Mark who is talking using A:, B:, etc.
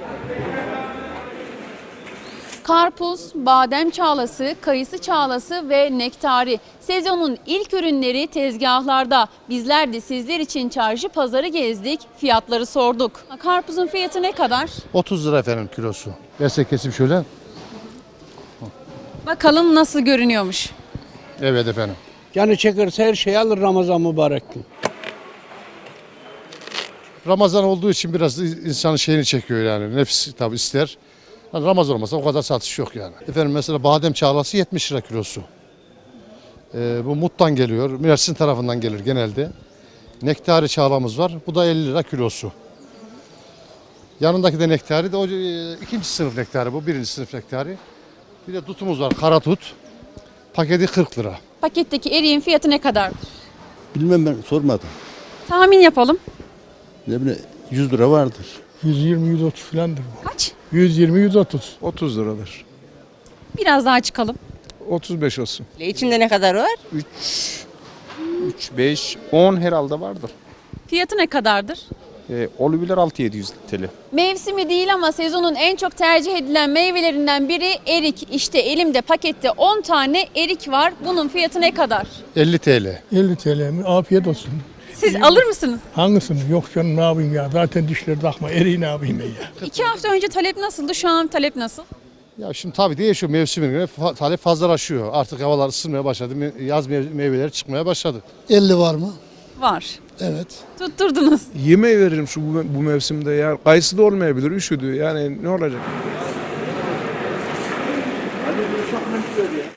A: Karpuz, badem çağlası, kayısı çağlası ve nektari. Sezonun ilk ürünleri tezgahlarda. Bizler de sizler için çarşı pazarı gezdik, fiyatları sorduk. Karpuzun fiyatı ne kadar?
B: 30 lira efendim kilosu. Versek kesim şöyle.
A: Bakalım nasıl görünüyormuş.
B: Evet efendim.
C: Canı çekerse her şeyi alır Ramazan mübarek gün.
B: Ramazan olduğu için biraz insanın şeyini çekiyor yani. Nefis tabi ister. Yani Ramazan olmasa o kadar satış yok yani. Efendim mesela badem çağlası 70 lira kilosu. Bu Mut'tan geliyor. Mersin tarafından gelir genelde. Nektari çağlamız var. Bu da 50 lira kilosu. Yanındaki de nektari de o ikinci sınıf nektari bu. Birinci sınıf nektari. Bir de tutumuz var. Kara tut. Paketi 40 lira.
A: Paketteki eriğin fiyatı ne kadardır?
D: Bilmem, ben sormadım.
A: Tahmin yapalım.
D: Ne bileyim, 100 lira vardır.
E: 120-130 filandır bu.
A: Kaç?
E: 120-130.
F: 30 liradır.
A: Biraz daha çıkalım.
F: 35 olsun.
G: İçinde ne kadar var?
F: 3, 5, 10 herhalde vardır.
A: Fiyatı ne kadardır?
F: Olabilir 6-700 TL.
A: Mevsimi değil ama sezonun en çok tercih edilen meyvelerinden biri erik. İşte elimde pakette 10 tane erik var. Bunun fiyatı ne kadar?
B: 50 TL.
E: 50 TL mi? Afiyet olsun.
A: Siz alır mısınız?
E: Hangisini? Yok canım, ne yapayım ya? Zaten dişleri takma. Eriği ne yapayım ben ya?
A: 2 hafta önce talep nasıldı? Şu an talep nasıl?
B: Ya şimdi tabii değişiyor mevsimine göre talep fazlalaşıyor. Artık havalar ısınmaya başladı. Yaz meyveleri çıkmaya başladı.
H: 50 var mı?
A: Var.
H: Evet.
A: Tutturdunuz.
F: Yemeği veririm bu mevsimde ya. Kayısı da olmayabilir, üşüdü. Yani ne olacak?